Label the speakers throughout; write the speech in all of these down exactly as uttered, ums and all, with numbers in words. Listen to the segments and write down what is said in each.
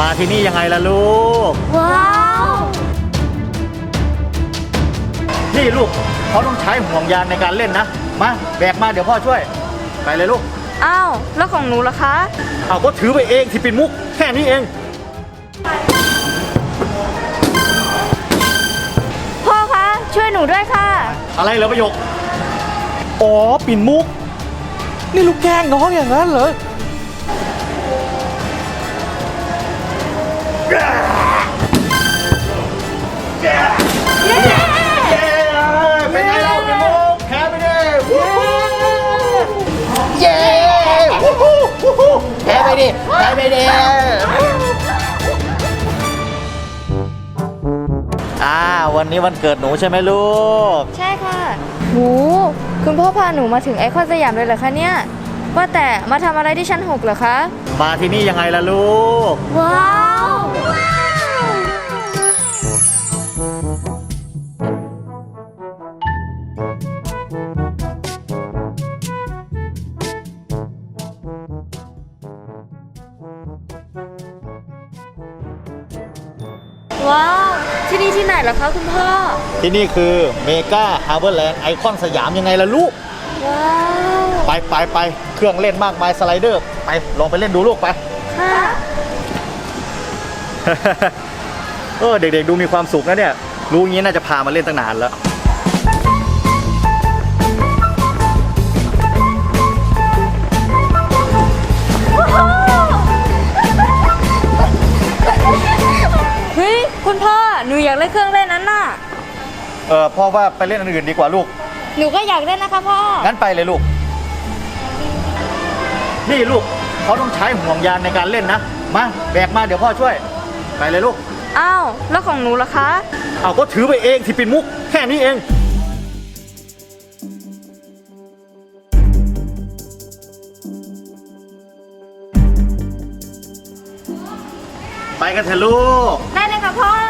Speaker 1: มาที่นี่ยังไงล่ะลูก
Speaker 2: ว้าว
Speaker 1: นี่ลูกเขาต้องใช้ห่วงยางในการเล่นนะมาแบกมาเดี๋ยวพ่อช่วยไปเลยลูก
Speaker 2: อ้าวแล้วของหนูล่ะคะ
Speaker 1: เอาก็ถือไปเองที่เป็นมุกแค่นี้เอง
Speaker 2: พ่อคะช่วยหนูด้วยค่ะ
Speaker 1: อะไรเหรอประโยคอ๋อปิ่นมุกนี่ลูกแกล้งน้องอย่างนั้นเหรอเป็นไงเราปิ่นมุกแพ้ไปดิเย้แพ้ไปดิแพ้ไปดิอ่าวันนี้วันเกิดหนูใช่ไหมลูก
Speaker 2: ใช่ค่ะหนูคุณพ่อพาหนูมาถึงไอคอนสยามเลยเหรอคะเนี่ยว่าแต่มาทำอะไรที่ชั้นหกเหรอคะ
Speaker 1: มาที่นี่ยังไงล่ะลูก
Speaker 2: ว้าวว้าวที่นี่ที่ไหนเหรอคะคุณพ่อ
Speaker 1: ที่นี่คือเมกาฮาร์เบอร์แลนด์ไอคอนสยามยังไงล่ะลูก
Speaker 2: ว้าว
Speaker 1: ไปไปไปเครื่องเล่นมากมายสไลเดอร์ไปลองไปเล่นดูลูกไป
Speaker 2: ค่ะ
Speaker 1: เออเด็กๆดูมีความสุขนะเนี่ยรู้งี้น่าจะพามาเล่นตั้งนานแล้ว
Speaker 2: เฮ้ยคุณพ่อหนูอยากเล่นเครื่องเล่นนั้นน่ะ
Speaker 1: เออพ่อว่าไปเล่นอันอื่นดีกว่าลูก
Speaker 2: หนูก็อยากเล่นนะคะพ่อ
Speaker 1: งั้นไปเลยลูกนี่ลูกเขาต้องใช้ห่วงยางในการเล่นนะมาแบกมาเดี๋ยวพ่อช่วยไปเลยลูก
Speaker 2: อ้าวแล้วของหนูล่ะคะ
Speaker 1: เอาก็ถือไปเองที่เป็นมุกแค่นี้เองไปกันเถอะลูก
Speaker 2: ได้เลยค่ะพ่อ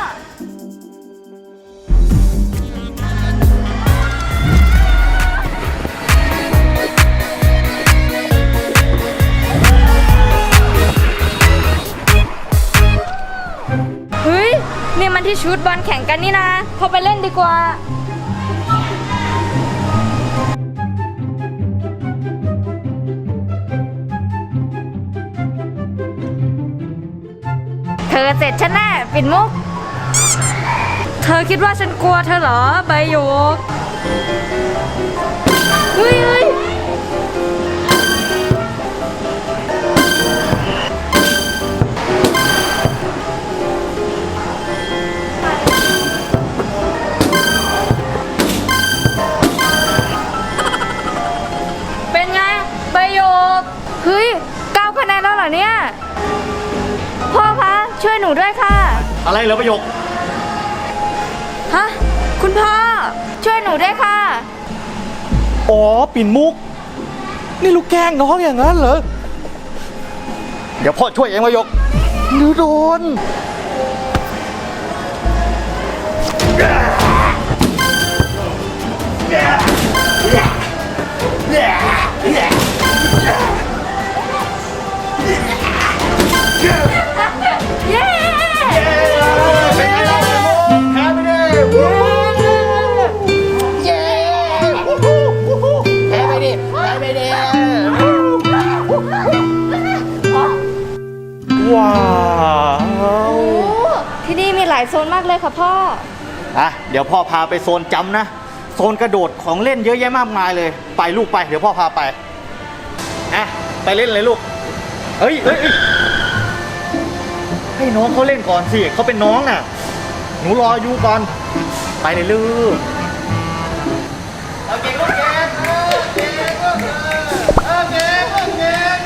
Speaker 2: เฮ้ยนี่มันที่ชุดบอลแข่งกันนี่นะพอไปเล่นดีกว่าเธอเสร็จฉันแน่ปิ่นมุกเธอคิดว่าฉันกลัวเธอเหรอใบหยกเฮ้ยเฮ้ยเป็นไงใบหยกเฮ้ยเก้าคะแนนแล้วเหรอเนี่ยพ่อคะช่วยหนูด้วยค่ะ
Speaker 1: อะไรเหรอประโยค
Speaker 2: ฮะคุณพ่อช่วยหนูด้วยค่ะ
Speaker 1: อ๋อปิ่นมุกนี่ลูกแกล้งน้องอย่างนั้นเหรอเดี๋ยวพ่อช่วยเองประโยคหนูโดนว้าว
Speaker 2: ที่นี่มีหลายโซนมากเลยค่ะพ่อ
Speaker 1: อ่ะเดี๋ยวพ่อพาไปโซนจำนะโซนกระโดดของเล่นเยอะแยะมากมายเลยไปลูกไปเดี๋ยวพ่อพาไปอ่ะไปเล่นเลยลูกเฮ้ยเฮ้ยให้น้องเขาเล่นก่อนสิเขาเป็นน้องน่ะหนูรออยู่ก่อนไปเลยลูกเอาเก่งลูกเก่งเออเก่งลูกเออเก่งลูกเก่ง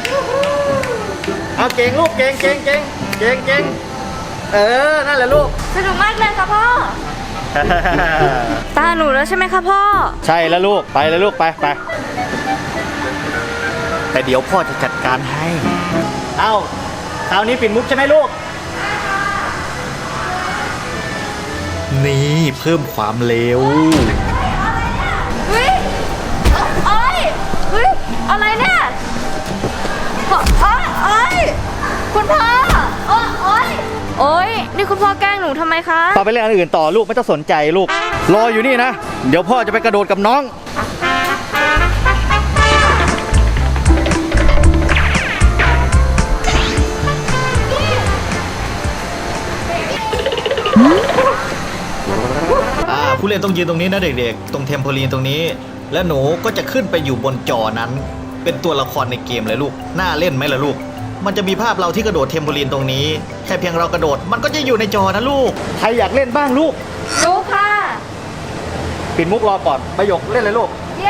Speaker 1: เอาเก่งลูกเก่งเก่งเก่งเก่งเก่งเออนั่นแหละลูก
Speaker 2: สนุกมากเลยค่ะพ่อตาหนูแล้วใช่ไหมคะพ่อ
Speaker 1: ใช่แล้วลูกไปเลยลูกไปไปแต่เดี๋ยวพ่อจะจัดการให้เอ้าคราวนี้ปิ่นมุกใช่ไหมลูกนี่เพิ่มความเร็ว
Speaker 2: เฮ้ยเอ้ยเฮ้ยอะไรเนี่ยเอ้ยเอ้ยคุณพ่อโอ๊ยนี่คุณพ่อแกล้งหนูทำไมคะ
Speaker 1: ต่อไปเล่นอันอื่นต่อลูกไม่ต้องสนใจลูก รออยู่นี่นะ เดี๋ยวพ่อจะไปกระโดดกับน้อง อ่าผู้เล่นต้องยืนตรงนี้นะเด็กๆ ตรงเทมโพลีนตรงนี้ แล้วหนูก็จะขึ้นไปอยู่บนจอนั้น เป็นตัวละครในเกมเลยลูก น่าเล่นไหมล่ะลูก มันจะมีภาพเราที่กระโดดเทมโพลีนตรงนี้ แค่เพียงเรากระโดดมันก็จะอยู่ในจอนะลูก ใครอยากเล่นบ้างลูก
Speaker 2: รู้ค่ะ
Speaker 1: ปิดมุกรอก่อนประโยคเล่นเลยลูก
Speaker 2: เย้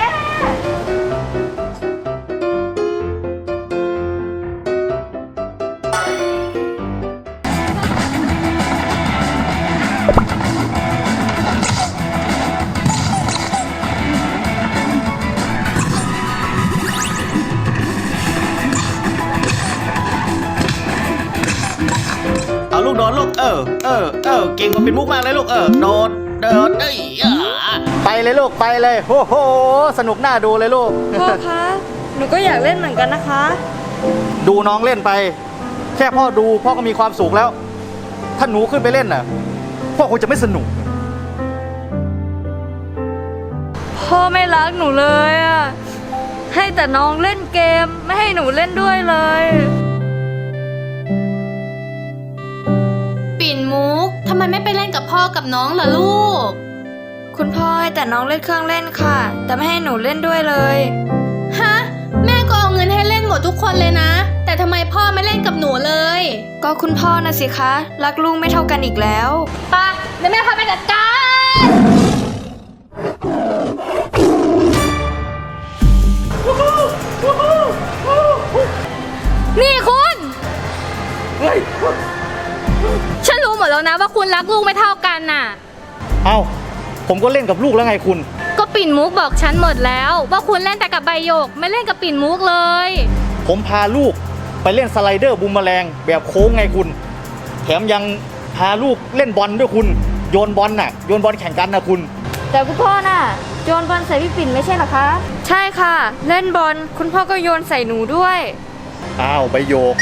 Speaker 1: เอาลูกโดดลูกเออเออเออเก่งกว่าปิดมุกมากเลยลูกเออโดดโดดเอ้ยอ่ะไปเลยลูกไปเลยโอ้โหสนุกน่าดูเลยลูก
Speaker 2: พ่อคะหนูก็อยากเล่นเหมือนกันนะคะ
Speaker 1: ดูน้องเล่นไป แค่พ่อดูพ่อก็มีความสุขแล้ว ถ้าหนูขึ้นไปเล่นน่ะพ่อคงจะไม่สนุก
Speaker 2: พ่อไม่รักหนูเลยอะให้แต่น้องเล่นเกมไม่ให้หนูเล่นด้วยเลย
Speaker 3: ปิ่นมุกทำไมไม่ไปเล่นกับพ่อกับน้องล่ะลูก
Speaker 2: คุณพ่อให้แต่น้องเล่นเครื่องเล่นค่ะ แต่ไม่ให้หนูเล่นด้วยเลย
Speaker 3: ฮะ แม่ก็เอาเงินให้เล่นหมดทุกคนเลยนะ แต่ทำไมพ่อไม่เล่นกับหนูเลย
Speaker 2: ก็คุณพ่อนะสิคะ รักลูกไม่เท่ากันอีกแล้ว
Speaker 3: ปะเดี๋ยวแม่พาไปจัดการ นี่คุณ
Speaker 1: เฮ้ย
Speaker 3: ฉันรู้หมดแล้วนะว่าคุณรักลูกไม่เท่ากันน่ะ
Speaker 1: เอาผมก็เล่นกับลูกแล้วไงคุณ
Speaker 3: ก็ปิ่นมุกบอกฉันหมดแล้ว ว่าคุณเล่นแต่กับใบหยกไม่เล่นกับปิ่นมุกเลย
Speaker 1: ผมพาลูกไปเล่นสไลเดอร์บูมแมลงแบบโค้งไงคุณ แถมยังพาลูกเล่นบอลด้วยคุณ โยนบอลน่ะโยนบอลแข่งกันนะคุณ
Speaker 2: แต่คุณพ่อน่ะโยนบอลใส่พี่ปิ่นไม่ใช่เหรอคะ ใช่ค่ะ เล่นบอลคุณพ่อก็โยนใส่หนูด้วย
Speaker 1: อ้าวใบโยก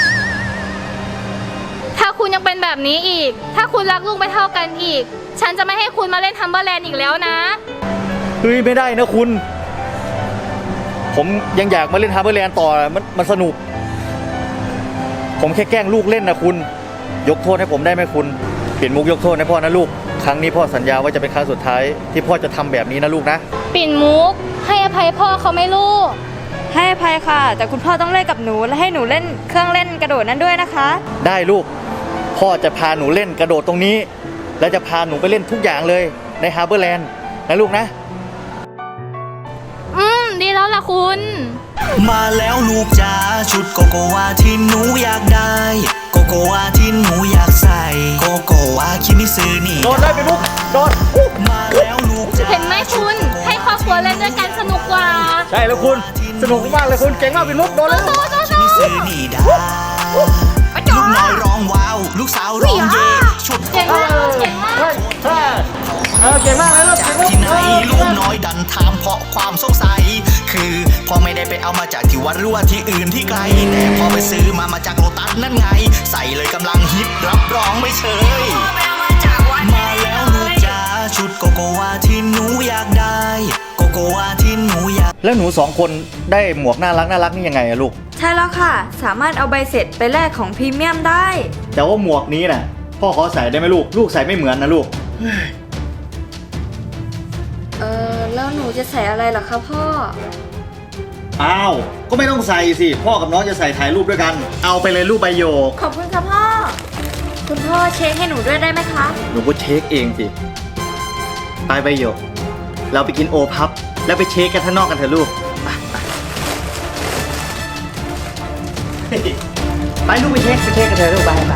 Speaker 3: ถ้าคุณยังเป็นแบบนี้อีก ถ้าคุณรักลูกไม่เท่ากันอีก ฉันจะไม่ให้คุณมาเล่นทัมเบอร์แลนด์อีกแล้วนะ
Speaker 1: เฮ้ยไม่ได้นะคุณ ผมยังอยากมาเล่นฮาร์เบอร์แลนด์ต่อมันมันสนุก ผมแค่แกล้งลูกเล่นนะคุณ ยกโทษให้ผมได้ไหมคุณเปลี่ยนมุกยกโทษให้พ่อนะลูก ครั้งนี้พ่อสัญญาว่าจะเป็นครั้งสุดท้ายที่พ่อจะทำแบบนี้นะลูกนะ
Speaker 3: ปิ่นมุก ให้อภัยพ่อเขาไหม่ลูก
Speaker 2: ให้อภัยค่ะ แต่คุณพ่อต้องเล่นกับหนูและให้หนูเล่นเครื่องเล่นกระโดดนั้นด้วยนะคะ
Speaker 1: ได้ลูก พ่อจะพาหนูเล่นกระโดดตรงนี้ และจะพาหนูไปเล่นทุกอย่างเลยในฮาร์เบอร์แลนด์นะลูกนะ
Speaker 3: อืม ดีแล้วล่ะคุณ
Speaker 4: มาแล้วลูกจ๋าชุดโกโกวาที่หนูอยากได้ โกโกวาที่หนูอยากใส่ โกโกวาคิมิซึนี่
Speaker 1: โดดเลยไปลูกโดด
Speaker 4: มาแล้วลูกจ๋า
Speaker 3: เห็นไหมคุณ ให้ครอบครัวเล่นด้วยกันสนุกกว่า
Speaker 1: ใช่แล้วคุณ สนุกมากเลยคุณเก่งมากเป็นมุกโดดเลยลูก
Speaker 4: คิมิซึนี่ดาลูกน้อยร้องว้าว ลูกสาวร้องเย่ชุด
Speaker 3: เก่งมากเก่งมาก
Speaker 1: เฮ้ยเฮ้ยเออเก่งมากเลยลูก
Speaker 4: จากที่ไหนลูกน้อยดันถามเพราะความสงสัย คือพ่อไม่ได้ไปเอามาจากที่วัดหรือว่าที่อื่นที่ไกล แต่พอไปซื้อมามาจากโลตัสนั่นไง ใส่เลยกำลังฮิตรับรองไม่เชยมาแล้วลูกจ๋าชุดโกโกวาที่หนูอยากได้ โกโกวาที่หนูอยาก
Speaker 1: แล้วหนูสองคนได้หมวกน่ารักน่ารักนี่ยังไงอะลูก
Speaker 2: ใช่แล้วค่ะ สามารถเอาใบเสร็จไปแลกของพรีเมียมได้
Speaker 1: แต่ว่าหมวกนี้น่ะพ่อขอใส่ได้ไหมลูก ลูกใส่ไม่เหมือนนะลูก
Speaker 2: เออแล้วหนูจะใส่อะไรเหรอคะพ่อ
Speaker 1: อ้าว ก็ไม่ต้องใส่สิ พ่อกับน้องจะใส่ถ่ายรูปด้วยกัน เอาไปเลยรูปใบโยก
Speaker 2: ขอบคุณค่ะพ่อ คุณพ่อเช็คให้หนูด้วยได้ไหมคะ
Speaker 1: หนูก็เช็คเองสิ ไปใบโยก เราไปกินโอพับ แล้วไปเช็คกันข้างนอกกันเถอะลูก ไปไปไปลูกไปเช็คไปเช็คกันเถอะลูกไปไป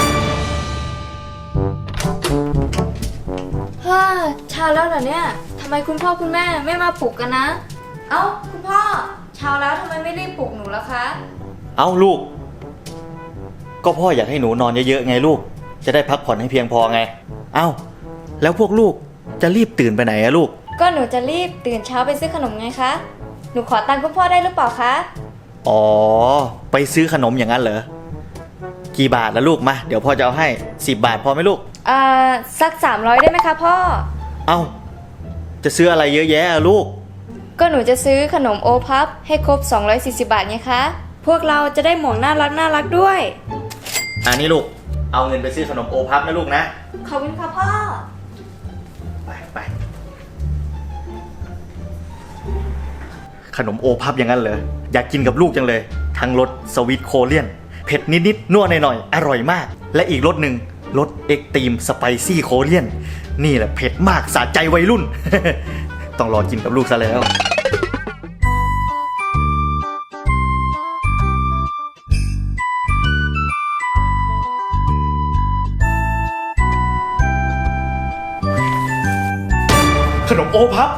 Speaker 2: ฮ่าเช้าแล้วเหรอเนี่ยทำไมคุณพ่อคุณแม่ไม่มาปลุกกันนะ เอ้าคุณพ่อเช้าแล้วทำไมไม่รีบปลุกหนูล่ะคะ
Speaker 1: เอาลูก ก็พ่ออยากให้หนูนอนเยอะๆไงลูก จะได้พักผ่อนให้เพียงพอไง เอ้า แล้วพวกลูกจะรีบตื่นไปไหนอะลูก
Speaker 2: ก็หนูจะรีบตื่นเช้าไปซื้อขนมไงคะ หนูขอตังค์คุณพ่อได้หรือเปล่าคะ
Speaker 1: อ๋อ ไปซื้อขนมอย่างนั้นเหรอ คกี่บาทละลูกมาเดี๋ยวพ่อจะเอาให้สิบบาทพอไหมลูก
Speaker 2: อ่าสักสามร้อยได้ไหมคะพ่อ
Speaker 1: เอ้าจะซื้ออะไรเยอะแยะอะลูก
Speaker 2: ก็หนูจะซื้อขนมโอพับให้ครบสองร้อยสี่สิบบาทไงคะ พวกเราจะได้หมวกน่ารักน่ารักด้วย
Speaker 1: อันนี้ลูกเอาเงินไปซื้อขนมโอพับนะลูกนะ
Speaker 2: ขอบคุณค่ะพ่อ
Speaker 1: ไปไปขนมโอพับอย่างนั้นเหรออยากกินกับลูกจังเลยทั้งรสสวีทโคเรียนเผ็ดนิดๆนัวหน่อยๆอร่อยมากและอีกรสหนึ่งรสเอ็กตรีมสไปซี่โคเรียนนี่แหละเผ็ดมากสะใจวัยรุ่น ต้องรอกินกับลูกซะแล้วขนมโอพับ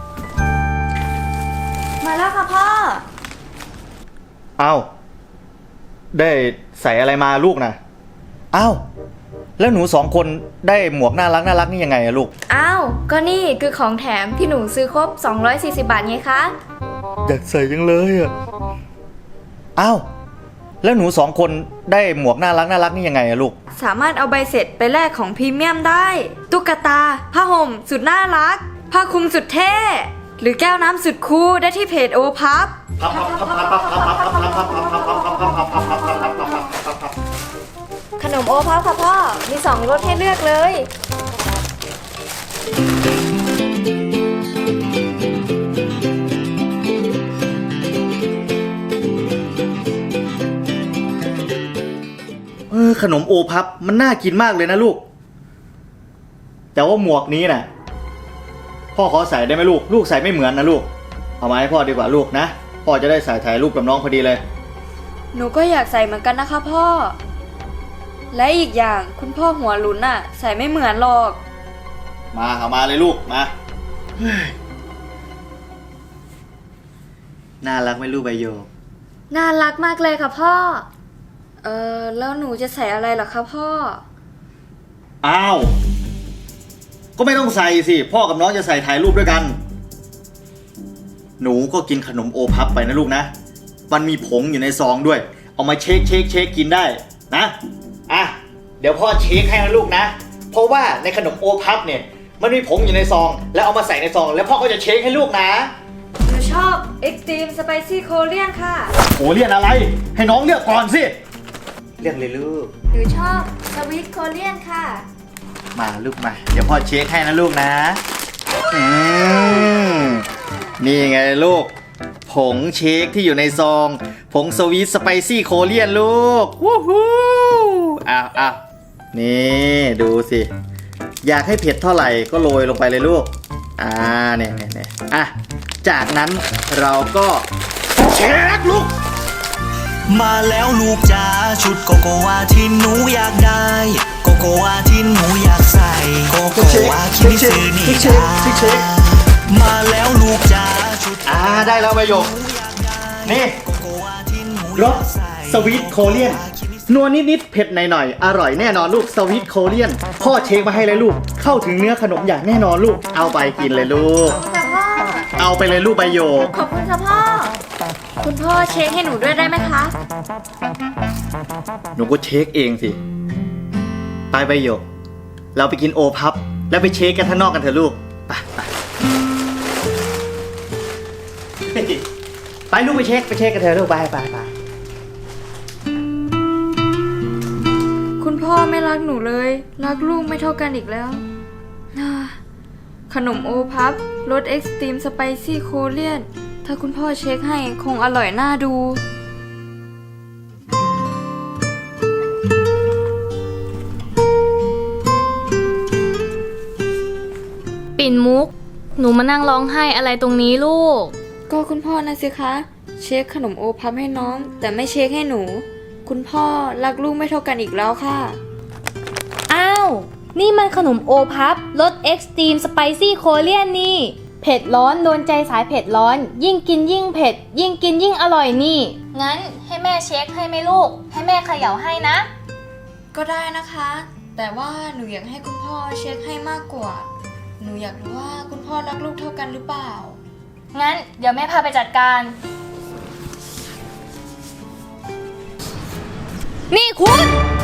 Speaker 2: มาแล้วค่ะพ่อ
Speaker 1: เอาได้ใส่อะไรมาลูกนะอ้าวแล้วหนูสองคนได้หมวกน่ารักน่ารักนี่ยังไงอะลูก
Speaker 2: อ้าว ก็นี่คือของแถมที่หนูซื้อครบสองร้อยสี่สิบบาทไงคะ
Speaker 1: อยากใส่ยังเลยอะอ้าวแล้วหนูสองคนได้หมวกน่ารักน่ารักนี่ยังไงอะลูก
Speaker 2: สามารถเอาใบเสร็จไปแลกของพรีเมียมได้ ตุ๊กตา ผ้าห่มสุดน่ารัก ผ้าคลุมสุดเท่ หรือแก้วน้ำสุดคูลได้ที่เพจโอพับ ขนมโอพับค่ะพ่อ มีสองรสให้เลือกเลย
Speaker 1: เออขนมโอพับมันน่ากินมากเลยนะลูก แต่ว่าหมวกนี้น่ะพ่อขอใส่ได้ไหมลูกลูกใส่ไม่เหมือนนะลูกเอามาให้พ่อดีกว่าลูกนะพ่อจะได้ใส่ถ่ายรูปกับน้องพอดีเลย
Speaker 2: หนูก็อยากใส่เหมือนกันนะคะพ่อ และอีกอย่างคุณพ่อหัวหลุนน่ะ ใส่ไม่เหมือนหรอก
Speaker 1: มาเอามาเลยลูกมาเฮ้ยน่ารักไหมลูกใบโยก
Speaker 2: น่ารักมากเลยค่ะพ่อ เออแล้วหนูจะใส่อะไรเหรอคะพ่อ
Speaker 1: อ้าวก็ไม่ต้องใส่สิพ่อกับน้องจะใส่ถ่ายรูปด้วยกัน หนูก็กินขนมโอพับไปนะลูกนะมันมีผงอยู่ในซองด้วยเอามาเช็คเช็คเช็คกินได้นะอ่ะเดี๋ยวพ่อเช็คให้นะลูกนะเพราะว่าในขนมโอพับเนี่ยมันมีผงอยู่ในซองแล้วเอามาใส่ในซองแล้วพ่อก็จะเช็คให้ลูกนะ
Speaker 2: หนูชอบ Extreme Spicy Korean ค่ะ
Speaker 1: โอ้เรียนอะไรให้น้องเลือกก่อนสิเลือกเลยลูก
Speaker 2: หนูชอบ Sweet Korean ค่ะ
Speaker 1: มาลูกมาเดี๋ยวพ่อเช็คให้นะลูกนะอืมนี่ไงลูกผงเช็คที่อยู่ในซองผงสวีทสไปซี่โคเรียนลูกวู้ฮู้อ้าวอ้าวนี่ดูสิอยากให้เผ็ดเท่าไหร่ก็โรยลงไปเลยลูกอ่าเนี่ยเนี่ยเนี่ยอ่ะจากนั้นเราก็เช็คลูก
Speaker 4: มาแล้วลูกจ๋าชุดโกโกวาที่หนูอยากได้โกโกวาที่หนูอยากใส่โกโกวาคิมิซึนี่จ้ามาแล้วลูกจ๋าชุด
Speaker 1: อ่าได้แล้วใบหยกนี่
Speaker 4: โกโกวาที่หนู
Speaker 1: รสสวีทโคเรียนนัวนิดๆเผ็ดหน่อยๆอร่อยแน่นอนลูกสวีทโคเรียนพ่อเช็คมาให้เลยลูกเข้าถึงเนื้อขนมอย่างแน่นอนลูกเอาไปกินเลยลูก
Speaker 2: ค่ะพ่อ
Speaker 1: เอาไปเลยลูกใบโยก
Speaker 2: ขอบคุณค่ะพ่อ คุณพ่อเช็คให้หนูด้วยได้ไหมคะ
Speaker 1: หนูก็เช็คเองสิไปใบโยกเราไปกินโอพับแล้วไปเช็คกันข้างนอกกันเถอะลูกไปไปไปลูกไปเช็คไปเช็คกันเถอะลูกไปไปไป
Speaker 2: คุณพ่อไม่รักหนูเลย รักลูกไม่เท่ากันอีกแล้วอ่าขนมโอพับรส Extreme Spicy Korean ถ้าคุณพ่อเช็คให้คงอร่อยน่าดู
Speaker 3: ปิ่นมุก หนูมานั่งร้องไห้อะไรตรงนี้ลูก
Speaker 2: ก็คุณพ่อนะสิคะ เช็คขนมโอพับให้น้อง แต่ไม่เช็คให้หนู คุณพ่อรักลูกไม่เท่ากันอีกแล้วค่ะ
Speaker 3: อ้าว นี่มันขนมโอพับรส Extreme Spicy Korean นี่ เผ็ดร้อนโดนใจสายเผ็ดร้อน ยิ่งกินยิ่งเผ็ด ยิ่งกินยิ่งอร่อยนี่ งั้นให้แม่เช็คให้ไหมลูก ให้แม่เขย่าให้นะ
Speaker 2: ก็ได้นะคะ แต่ว่าหนูอยากให้คุณพ่อเช็คให้มากกว่า หนูอยากรู้ว่าคุณพ่อรักลูกเท่ากันหรือเปล่า
Speaker 3: งั้นเดี๋ยวแม่พาไปจัดการ นี่คุณ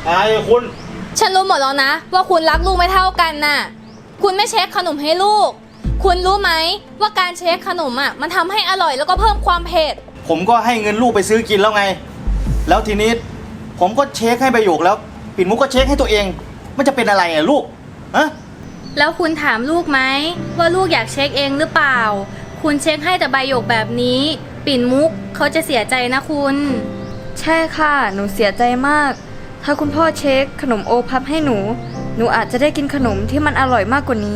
Speaker 1: อะไรคุณ
Speaker 3: ฉันรู้หมดแล้วนะ ว่าคุณรักลูกไม่เท่ากันน่ะ คุณไม่เช็คขนมให้ลูก คุณรู้ไหมว่าการเช็คขนมอ่ะมันทำให้อร่อยแล้วก็เพิ่มความเผ็ด
Speaker 1: ผมก็ให้เงินลูกไปซื้อกินแล้วไง แล้วทีนี้ผมก็เช็คให้ใบหยกแล้วปิ่นมุกก็เช็คให้ตัวเอง มันจะเป็นอะไรอ่ะลูกฮะ
Speaker 3: แล้วคุณถามลูกไหมว่าลูกอยากเช็คเองหรือเปล่า คุณเช็คให้แต่ใบหยกแบบนี้ ปิ่นมุกเขาจะเสียใจนะคุณ
Speaker 2: ใช่ค่ะ หนูเสียใจมาก ถ้าคุณพ่อเช็คขนมโอพับให้หนู หนูอาจจะได้กินขนมที่มันอร่อยมากกว่านี้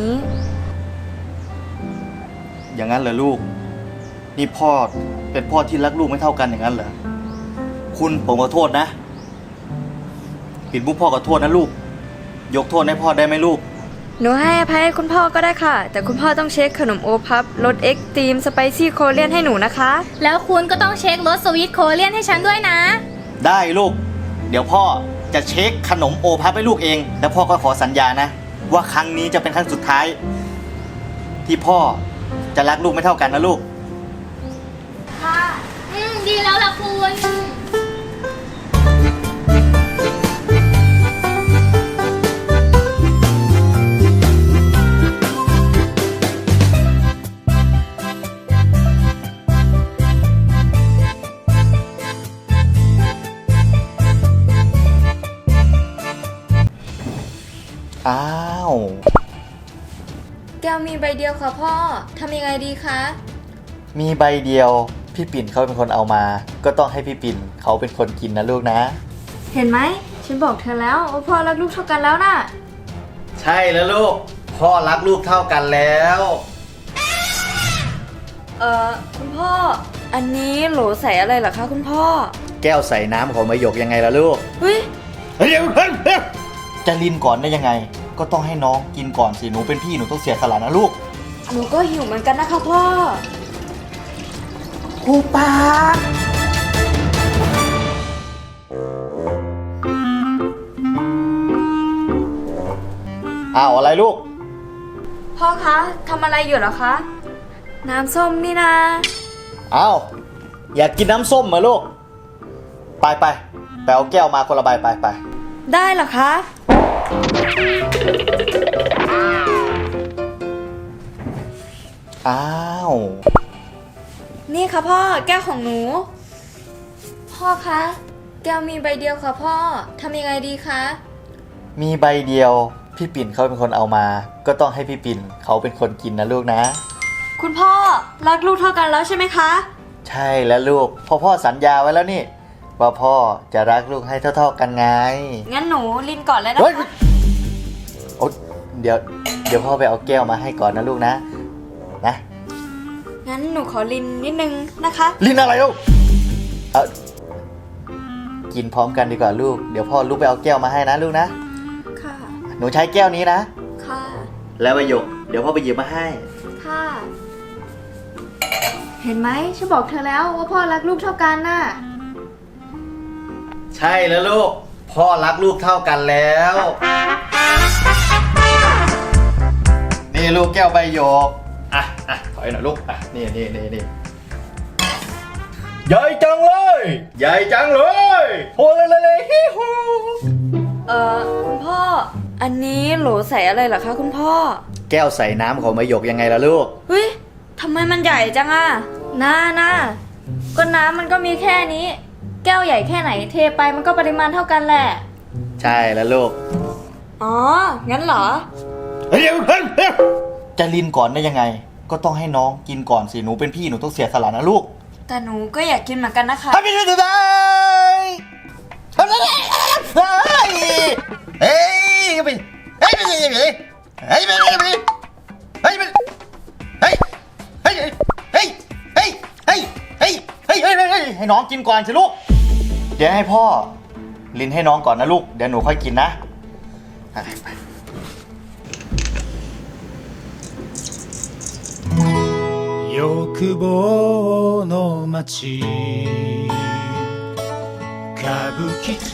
Speaker 1: อย่างนั้นเหรอลูก นี่พ่อเป็นพ่อที่รักลูกไม่เท่ากันอย่างนั้นเหรอ คุณผมขอโทษนะ ปิ่นมุกพ่อขอโทษนะลูก ยกโทษให้พ่อได้ไหมลูก
Speaker 2: หนูให้อภัยให้คุณพ่อก็ได้ค่ะ แต่คุณพ่อต้องเช็คขนมโอพับรสเอ็กซ์ตรีมสไปซี่โคเรียนให้หนูนะคะ
Speaker 3: แล้วคุณก็ต้องเช็ครสสวีทโคเรียนให้ฉันด้วยนะ
Speaker 1: ได้ลูก เดี๋ยวพ่อจะเช็คขนมโอพับให้ลูกเอง แล้วพ่อก็ขอสัญญานะ ว่าครั้งนี้จะเป็นครั้งสุดท้าย ที่พ่อจะรักลูกไม่เท่ากันนะลูก
Speaker 3: ค่ะอืมดีแล้วล่ะคุณ
Speaker 1: อ้าว
Speaker 2: แก้วมีใบเดียวค่ะพ่อ ทำยังไงดีคะ
Speaker 1: มีใบเดียวพี่ปิ่นเขาเป็นคนเอามา ก็ต้องให้พี่ปิ่นเขาเป็นคนกินนะลูกนะ
Speaker 2: เห็นไหม ฉันบอกเธอแล้วว่าพ่อรักลูกเท่ากันแล้วน่ะ
Speaker 1: ใช่แล้วลูก พ่อรักลูกเท่ากันแล้ว
Speaker 2: เอ่อ คุณพ่อ อันนี้โหลใส่อะไรเหรอคะคุณพ่อ
Speaker 1: แก้วใส่น้ำของมะหยกยังไงล่ะลูก
Speaker 2: เฮ้ย
Speaker 1: เดี๋ยวเฮ้ยเฮ้ยจะลินก่อนได้ยังไง ก็ต้องให้น้องกินก่อนสิหนูเป็นพี่หนูต้องเสียสละนะลูก
Speaker 2: หนูก็หิวเหมือนกันนะคะพ่อ
Speaker 1: คูปากอ้าวอะไรลูก
Speaker 2: พ่อคะทำอะไรอยู่เหรอคะ น้ำส้มนี่นะ
Speaker 1: อ้าวอยากกินน้ำส้มเหรอลูก ไปไปไปเอาแก้วมาคนละใบไปไป
Speaker 2: ได้เหรอคะ
Speaker 1: อ้าว
Speaker 2: นี่ค่ะพ่อ แก้วของหนู พ่อคะ แก้วมีใบเดียวค่ะพ่อ ทำยังไงดีคะ
Speaker 1: มีใบเดียวพี่ปิ่นเขาเป็นคนเอามา ก็ต้องให้พี่ปิ่นเขาเป็นคนกินนะลูกนะ
Speaker 2: คุณพ่อรักลูกเท่ากันแล้วใช่ไหมคะ
Speaker 1: ใช่แล้วลูกพ่อพ่อสัญญาไว้แล้วนี่ ว่าพ่อจะรักลูกให้เท่าๆกันไง
Speaker 2: งั้นหนูลินก่อนเลยนะ
Speaker 1: เฮ้ย
Speaker 2: คะ
Speaker 1: โอ๊ยเดี๋ยวเดี๋ยวพ่อไปเอาแก้วมาให้ก่อนนะลูกนะนะ
Speaker 2: งั้นหนูขอลินนิดนึงนะคะ
Speaker 1: ลินอะไรลูกเอากินพร้อมกันดีกว่าลูกเดี๋ยวพ่อลุกไปเอาแก้วมาให้นะลูกนะ
Speaker 2: ค่ะ
Speaker 1: หนูใช้แก้วนี้นะ
Speaker 2: ค่ะ
Speaker 1: แล้วประโยคเดี๋ยวพ่อไปหยิบมาให้
Speaker 2: ค่ะ เห็นไหมฉันบอกเธอแล้วว่าพ่อรักลูกเท่ากันน่ะ
Speaker 1: ใช่แล้วลูกพ่อรักลูกเท่ากันแล้ว นี่ลูกแก้วใบหยกอ่ะอ่ะถอยหน่อยลูกอ่ะนี่นี่นี่นี่ใหญ่จังเลยใหญ่จังเลยโอ้เลยเลยเลยฮิฮู
Speaker 2: เอ่อ คุณพ่อ อันนี้โหลใส่อะไรเหรอคะคุณพ่อ
Speaker 1: แก้วใส่น้ำของใบหยกยังไงล่ะลูก
Speaker 2: เฮ้ย ทำไมมันใหญ่จังอะน่าน่าก็น้ำมันก็มีแค่นี้ แก้วใหญ่แค่ไหนเทไปมันก็ปริมาณเท่ากันแหละ
Speaker 1: ใช่แล้วลูก
Speaker 2: อ๋อ งั้นเหรอ
Speaker 1: เดี๋ยวเฮ้ยเฮ้ยจะลินก่อนได้ยังไง ก็ต้องให้น้องกินก่อนสิหนูเป็นพี่หนูต้องเสียสละนะลูก
Speaker 2: แต่หนูก็อยากกินเหมือนกันนะคะ
Speaker 1: ทำไม่ได้ได้ทำไม่ได้เฮ้ยไปเฮ้ยไปเฮ้ยไปเฮ้ยไปเฮ้ยไปเฮ้ยไปเฮ้ยเฮ้ยเฮ้ยเฮ้ยเฮ้ยเฮ้ยเฮ้ยเฮ้ยเฮ้ยให้น้องกินก่อนสิลูกเดี๋ยวให้พ่อลินให้น้องก่อนนะลูกเดี๋ยวหนูค่อยกินนะ
Speaker 5: 欲望の街歌舞伎町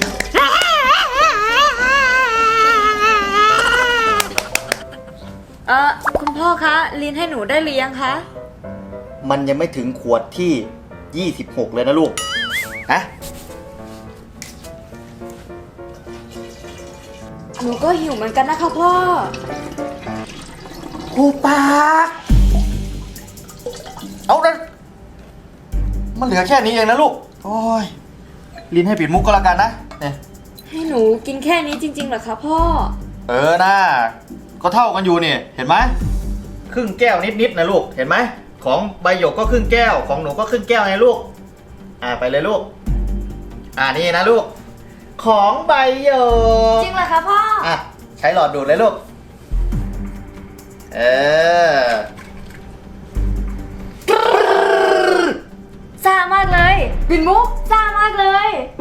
Speaker 2: เออคุณพ่อคะ ลินให้หนูได้หรือยังคะ
Speaker 1: มันยังไม่ถึงขวดที่ยี่สิบหกเลยนะลูกนะ
Speaker 2: หนูก็หิวเหมือนกันนะคะพ่อ
Speaker 1: หูปากเอาละมันเหลือแค่นี้เองนะลูก โอ้ยลิ้นให้ปิดมุกก็แล้วกันนะเนี่ย
Speaker 2: ให้หนูกินแค่นี้จริงๆเหรอคะพ่อ
Speaker 1: เออนะก็เท่ากันอยู่นี่เห็นไหมครึ่งแก้วนิดๆนะลูกเห็นไหมของใบหยกก็ครึ่งแก้วของหนูก็ครึ่งแก้วไงลูกอ่าไปเลยลูกอ่านี่นะลูกของใบหยก
Speaker 2: จริงเหรอคะพ่อ
Speaker 1: อ่ะใช้หลอดดูดเลยลูกเออ
Speaker 2: ซ่ามากเลยปิ่นมุกซ่ามากเลย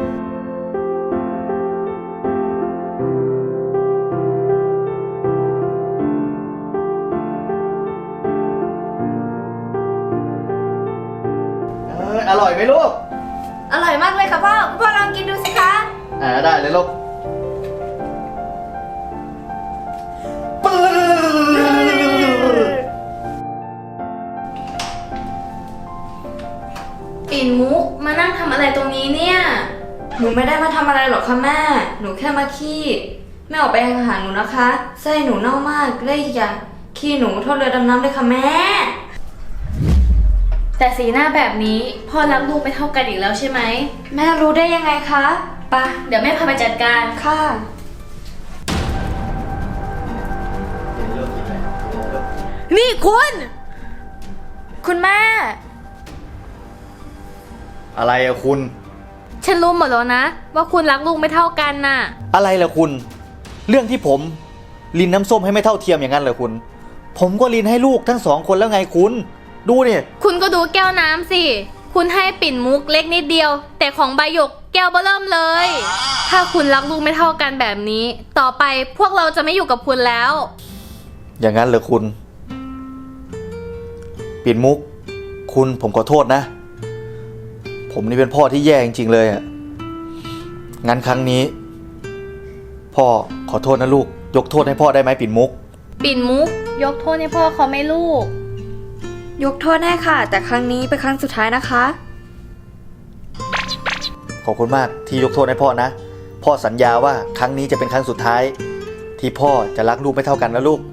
Speaker 1: เอออร่อยไหมลูก
Speaker 2: อร่อยมากเลยค่ะพ่อคุณพ่อลองกินดูสิคะ
Speaker 1: อ่าได้เลยลูกปื้อ
Speaker 3: ปิ่นมุกมานั่งทำอะไรตรงนี้เนี่ย
Speaker 2: หนูไม่ได้มาทำอะไรหรอกค่ะแม่ หนูแค่มาขี้แม่ออกไปหาหนูนะคะไส้หนูเน่ามากและอีกอย่างขี้หนูโทษเรือดำน้ำเลยค่ะแม่
Speaker 3: แต่สีหน้าแบบนี้พ่อรักลูกไม่เท่ากันอีกแล้วใช่ไหม
Speaker 2: แม่รู้ได้ยังไงคะปะ
Speaker 3: เดี๋ยวแม่พาไปจัดการ
Speaker 2: ค่ะ
Speaker 3: นี่คุณ
Speaker 2: คุณแม่
Speaker 1: อะไรอะคุณ
Speaker 3: ฉันรู้หมดแล้วนะ ว่าคุณรักลูกไม่เท่ากันน่ะ
Speaker 1: อะไรล่ะคุณ เรื่องที่ผมลินน้ำส้มให้ไม่เท่าเทียมอย่างนั้นเหรอคุณ ผมก็ลินให้ลูกทั้งสองคนแล้วไงคุณ ดูเนี่ย
Speaker 3: คุณก็ดูแก้วน้ำสิ คุณให้ปิ่นมุกเล็กนิดเดียว แต่ของใบหยกแก้วเบ้อเริ่มเลย ถ้าคุณรักลูกไม่เท่ากันแบบนี้ ต่อไปพวกเราจะไม่อยู่กับคุณแล้ว
Speaker 1: อย่างนั้นเหรอคุณ ปิ่นมุก คุณผมขอโทษนะ ผมนี่เป็นพ่อที่แย่จริงๆเลยอะงั้นครั้งนี้ พ่อขอโทษนะลูก ยกโทษให้พ่อได้ไหมปิ่นมุก
Speaker 3: ปิ่นมุก ยกโทษให้พ่อเขาไหม่ลูก
Speaker 2: ยกโทษให้ค่ะ แต่ครั้งนี้เป็นครั้งสุดท้ายนะคะ
Speaker 1: ขอบคุณมากที่ยกโทษให้พ่อนะ พ่อสัญญาว่าครั้งนี้จะเป็นครั้งสุดท้าย ที่พ่อจะรักลูกไม่เท่ากันนะลูก